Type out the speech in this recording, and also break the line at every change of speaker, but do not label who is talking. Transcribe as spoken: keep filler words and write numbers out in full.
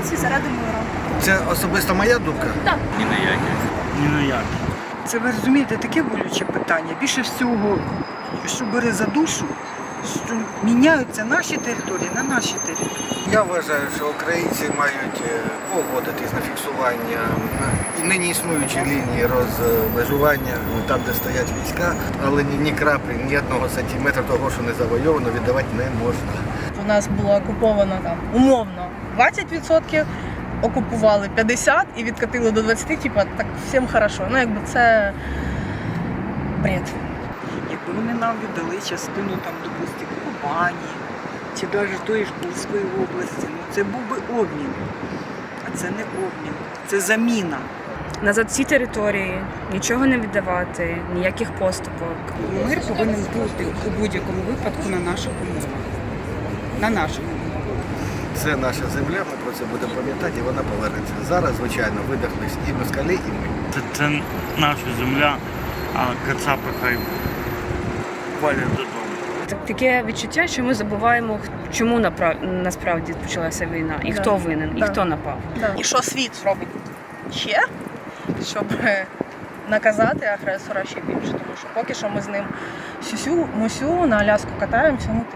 українці заради миру.
Це особисто моя думка?
Так.
Ні на які. Ні на які.
Це, ви розумієте, таке болюче питання. Більше всього, що бере за душу, що міняються наші території на наші території.
Я вважаю, що українці мають е, погодитись на фіксування і нині існуючої лінії розмежування, там, де стоять війська, але ні, ні краплі, ні одного сантиметра того, що не завойовано, віддавати не можна.
У нас було окуповано там умовно двадцять відсотків, окупували п'ятдесят і відкатили до двадцяти, типу, так всім хорошо. Ну, якби це бред.
Якби вони нам віддали частину, там, допустимо, Кубані, чи навіть тої ж Курської області, ну це був би обмін. А це не обмін, це заміна.
Назад всі території, нічого не віддавати, ніяких поступок.
Мир повинен бути у будь-якому випадку на наших умовах. На наших умовах.
Це наша земля, ми про це будемо пам'ятати, і вона повернеться. Зараз, звичайно, видихлись і москалі, і ми.
Це, це наша земля, а кацапи хай валять додому.
Так- Таке відчуття, що ми забуваємо, чому напра- насправді почалася війна, і
Да.
хто винен, і
Да.
хто напав.
І що світ робить ще, щоб наказати агресора ще більше. Тому що поки що ми з ним сюсю, мусю, на Аляску катаємося, ну